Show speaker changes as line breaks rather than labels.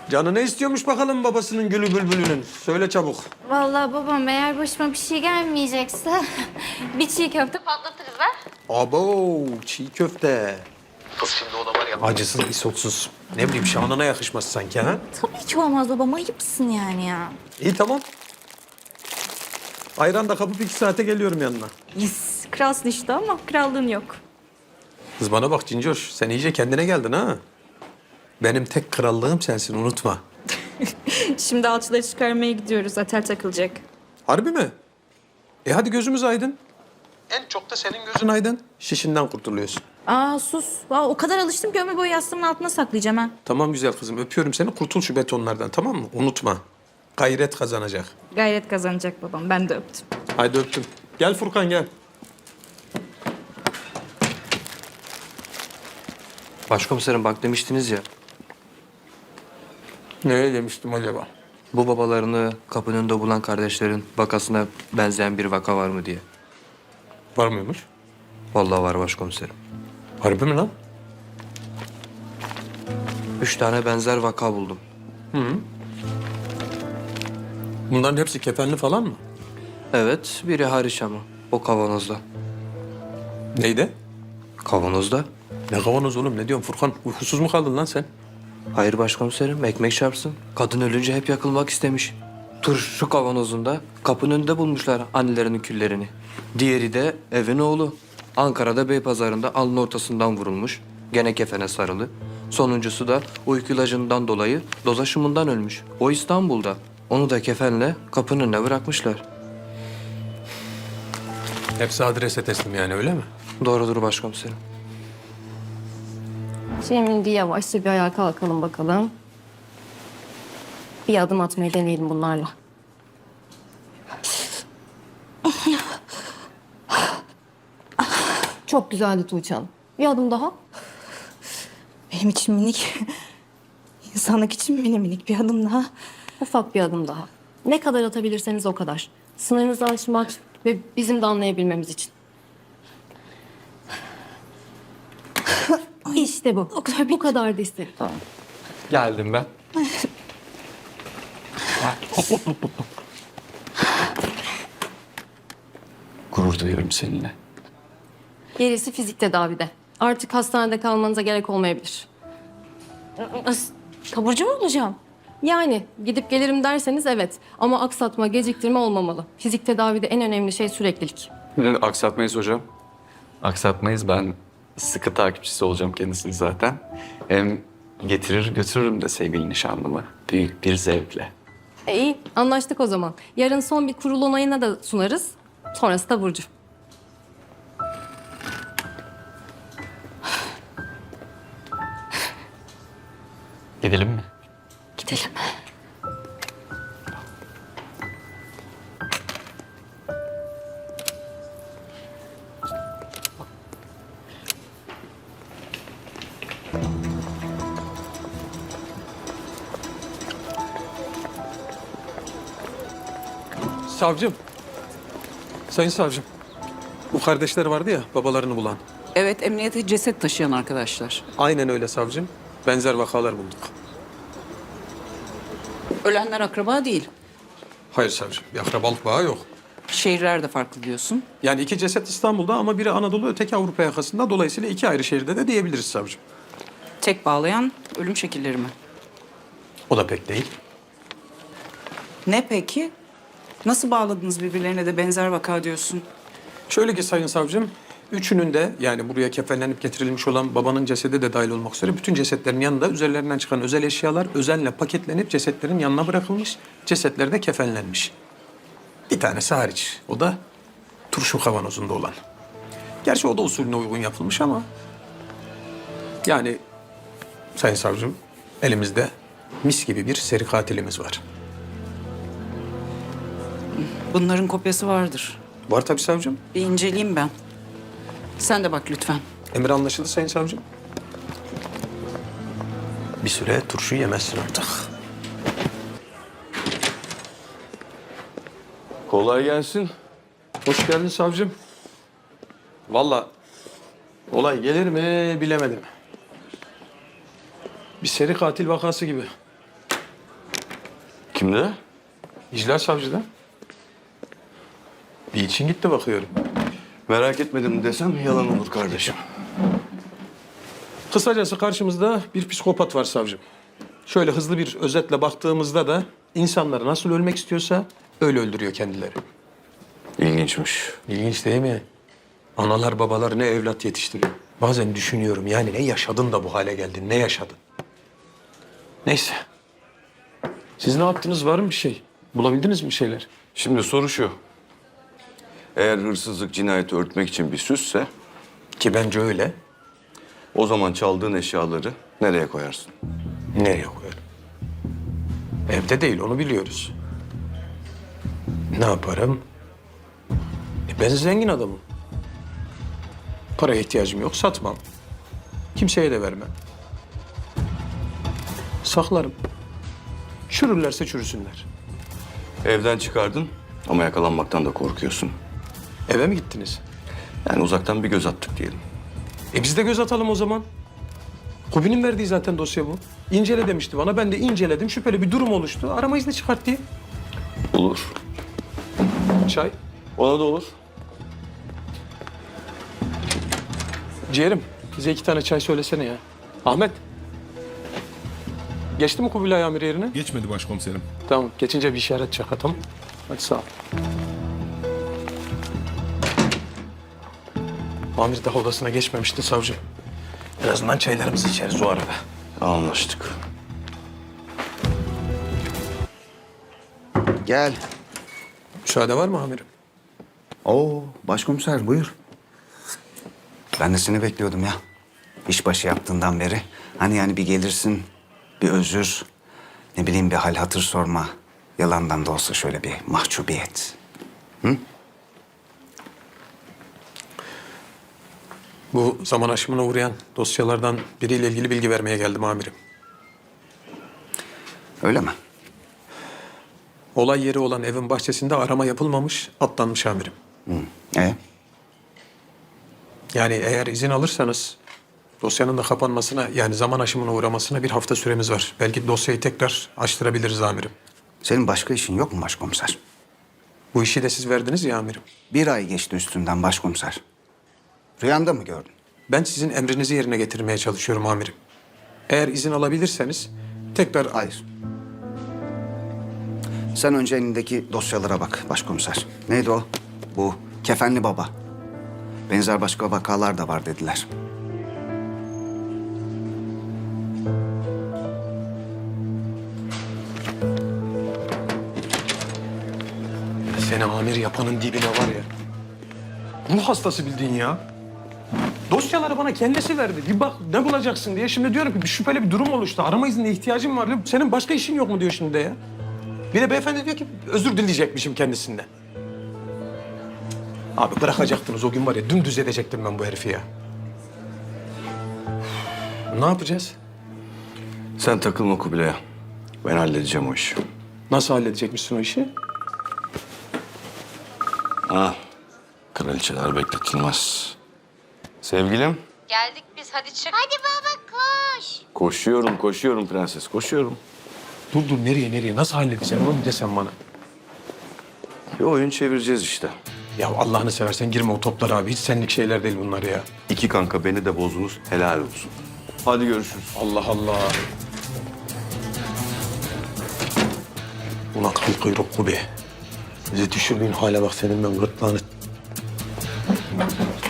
Canı ne istiyormuş bakalım babasının gülü bülbülünün? Söyle çabuk.
Vallahi babam eğer başıma bir şey gelmeyecekse bir çiğ köfte patlatırız ha.
Abo, çiğ köfte. Kız şimdi o da var ya. Acısız, isotsuz. Ne bileyim şanına yakışmaz sanki ha?
Tabii ki olmaz babam, ayıpsın yani ya.
İyi tamam. Ayran da kapıp 2 saate geliyorum yanına.
Yes, kralsın işte ama krallığın yok.
Kız bana bak Cincoş, sen iyice kendine geldin ha. Benim tek krallığım sensin, unutma.
Şimdi alçıları çıkarmaya gidiyoruz, atel takılacak.
Harbi mi? Hadi gözümüz aydın. En çok da senin gözün aydın. Şişinden kurtuluyorsun.
Aa sus, o kadar alıştım ki ömür boyu yastığımın altına saklayacağım ha.
Tamam güzel kızım, öpüyorum seni. Kurtul şu betonlardan, tamam mı? Unutma. Gayret kazanacak.
Gayret kazanacak babam, ben de öptüm.
Haydi öptüm. Gel Furkan gel.
Başkomiserim bak demiştiniz ya,
Ne demiştim acaba?
bu babalarını kapının önünde bulan kardeşlerin vakasına benzeyen bir vaka var mı diye.
Var mıymış?
Vallahi var başkomiserim.
Harbi mi lan?
3 tane benzer vaka buldum.
Bunların hepsi kefenli falan mı?
Evet, biri hariç ama. O kavanozda.
Neydi?
Kavanozda?
Ne kavanoz oğlum? Ne diyorsun Furkan? Uykusuz mu kaldın lan sen?
Hayır başkomiserim, ekmek çarpsın. Kadın ölünce hep yakılmak istemiş. Turşu kavanozunda kapının önünde bulmuşlar annelerinin küllerini. Diğeri de evin oğlu. Ankara'da Beypazarı'nda alnın ortasından vurulmuş. Gene kefene sarılı. Sonuncusu da uyku ilacından dolayı doz aşımından ölmüş. O İstanbul'da. Onu da kefenle kapının önüne bırakmışlar.
Hepsi adrese teslim yani öyle mi?
Doğrudur başkomiserim.
Şimdi yavaşça bir ayağa kalkalım bakalım. Bir adım atmayı deneyelim bunlarla. Çok güzeldi Tuğçe Hanım. Bir adım daha.
Benim için minik, insanlık için minik bir adım daha.
Ufak bir adım daha. Ne kadar atabilirseniz o kadar. Sınırınızı aşmak ve bizim de anlayabilmemiz için. İşte bu. Bu kadar da isterim. Tamam.
Geldim ben.
Gurur duyuyorum seninle.
Gerisi fizik tedavide. Artık hastanede kalmanıza gerek olmayabilir.
Taburcu mu olacağım?
Yani gidip gelirim derseniz evet. Ama aksatma, geciktirme olmamalı. Fizik tedavide en önemli şey süreklilik.
Aksatmayız hocam. Aksatmayız. Ben sıkı takipçisi olacağım kendisini zaten. Hem getirir götürürüm de sevgili nişanlımı. Büyük bir zevkle.
İyi, anlaştık o zaman. Yarın son bir kurul onayına da sunarız. Sonrası da Burcu.
Gidelim mi?
Gidelim.
Savcım. Sayın savcım. Bu kardeşler vardı ya babalarını bulan.
Evet, emniyete ceset taşıyan arkadaşlar.
Aynen öyle savcım. Benzer vakalar bulduk.
Ölenler akraba değil.
Hayır savcım. Bir akrabalık bağı yok.
Şehirler de farklı diyorsun.
Yani 2 ceset İstanbul'da ama biri Anadolu öteki Avrupa yakasında. Dolayısıyla 2 ayrı şehirde de diyebiliriz savcım.
Tek bağlayan ölüm şekilleri mi?
O da pek değil.
Ne peki? Nasıl bağladınız birbirlerine de benzer vaka diyorsun?
Şöyle ki sayın savcım, üçünün de yani buraya kefenlenip getirilmiş olan babanın cesedi de dahil olmak üzere bütün cesetlerin yanında üzerlerinden çıkan özel eşyalar özenle paketlenip cesetlerin yanına bırakılmış. Cesetler de kefenlenmiş. Bir tanesi hariç. O da turşu kavanozunda olan. Gerçi o da usulüne uygun yapılmış ama... Yani sayın savcım elimizde mis gibi bir seri katilimiz var.
Bunların kopyası vardır.
Var tabii savcım.
Bir inceleyeyim ben. Sen de bak lütfen.
Emir anlaşıldı sayın savcım. Bir süre turşu yemezsin artık.
Kolay gelsin.
Hoş geldin savcım. Vallahi olay gelir mi bilemedim. Bir seri katil vakası gibi.
Kimde?
İclal savcıda. Bir için gitti bakıyorum.
Merak etmedim desem yalan olur kardeşim.
Kısacası karşımızda bir psikopat var savcım. Şöyle hızlı bir özetle baktığımızda da insanları nasıl ölmek istiyorsa öyle öldürüyor kendileri.
İlginçmiş.
İlginç değil mi? Analar babalar ne evlat yetiştiriyor. Bazen düşünüyorum yani ne yaşadın da bu hale geldin, ne yaşadın? Neyse. Siz ne yaptınız, var mı bir şey? Bulabildiniz mi bir şeyler?
Şimdi soru şu. Eğer hırsızlık cinayeti örtmek için bir süsse,
Ki bence öyle.
o zaman çaldığın eşyaları nereye koyarsın?
Nereye koyarım? Evde değil, onu biliyoruz. Ne yaparım? Ben zengin adamım. Paraya ihtiyacım yok, satmam. Kimseye de vermem. Saklarım. Çürürlerse çürüsünler.
Evden çıkardın ama yakalanmaktan da korkuyorsun.
Eve mi gittiniz?
Yani uzaktan bir göz attık diyelim.
Biz de göz atalım o zaman. Kubi'nin verdiği zaten dosya bu. İncele demişti bana, ben de inceledim. Şüpheli bir durum oluştu. Arama izni çıkart diye.
Olur.
Çay.
Ona da olur.
Ciğerim, bize 2 tane çay söylesene ya. Ahmet. Geçti mi Kubilay amir yerine?
Geçmedi başkomiserim.
Tamam, geçince bir işaret çak atalım. Hadi sağ ol. Amir daha odasına geçmemişti savcım. En azından çaylarımızı içeriz o arada.
Anlaştık.
Gel.
Müsaade var mı amirim?
Oo, başkomiser buyur. Ben de seni bekliyordum ya. İşbaşı yaptığından beri. Hani yani bir gelirsin, bir özür, ne bileyim bir hal hatır sorma. Yalandan da olsa şöyle bir mahcubiyet.
Bu zaman aşımına uğrayan dosyalardan biriyle ilgili bilgi vermeye geldim amirim.
Öyle mi?
Olay yeri olan evin bahçesinde arama yapılmamış, atlanmış amirim.
E?
Yani eğer izin alırsanız dosyanın da kapanmasına yani zaman aşımına uğramasına 1 hafta süremiz var. Belki dosyayı tekrar açtırabiliriz amirim.
Senin başka işin yok mu başkomiser?
Bu işi de siz verdiniz ya amirim.
1 ay geçti üstünden başkomiser. Rüyanda mı gördün?
Ben sizin emrinizi yerine getirmeye çalışıyorum amirim. Eğer izin alabilirseniz tekrar...
Hayır. Sen önce elindeki dosyalara bak başkomiser. Neydi o? Bu kefenli baba. Benzer başka vakalar da var dediler.
Seni amir yapanın dibine var ya. Ruh hastası bildiğin ya. Dosyaları bana kendisi verdi. Bir bak ne bulacaksın diye. Şimdi diyorum ki bir şüpheli bir durum oluştu. Arama iznine ihtiyacım var. Senin başka işin yok mu diyor şimdi de ya. Bir de beyefendi diyor ki özür dileyecekmişim kendisinden. Abi bırakacaktınız o gün var ya dümdüz edecektim ben bu herifi ya. Ne yapacağız?
Sen takılma Kubilay'a. Ben halledeceğim o işi.
Nasıl halledecekmişsin o işi?
Kraliçeler bekletilmez. Sevgilim.
Geldik biz, hadi çık. Hadi baba koş.
Koşuyorum prenses, koşuyorum.
Dur nereye? Nasıl halledeceksin onu desen bana.
Bir oyun çevireceğiz işte.
Ya Allah'ını seversen girme o toplara abi. Hiç senlik şeyler değil bunlar ya.
2 kanka beni de bozdunuz, helal olsun. Hadi görüşürüz.
Allah Allah. Ulan kıl kuyruk be. Bizi düşürdüğün hale bak senin ben gırtlağını.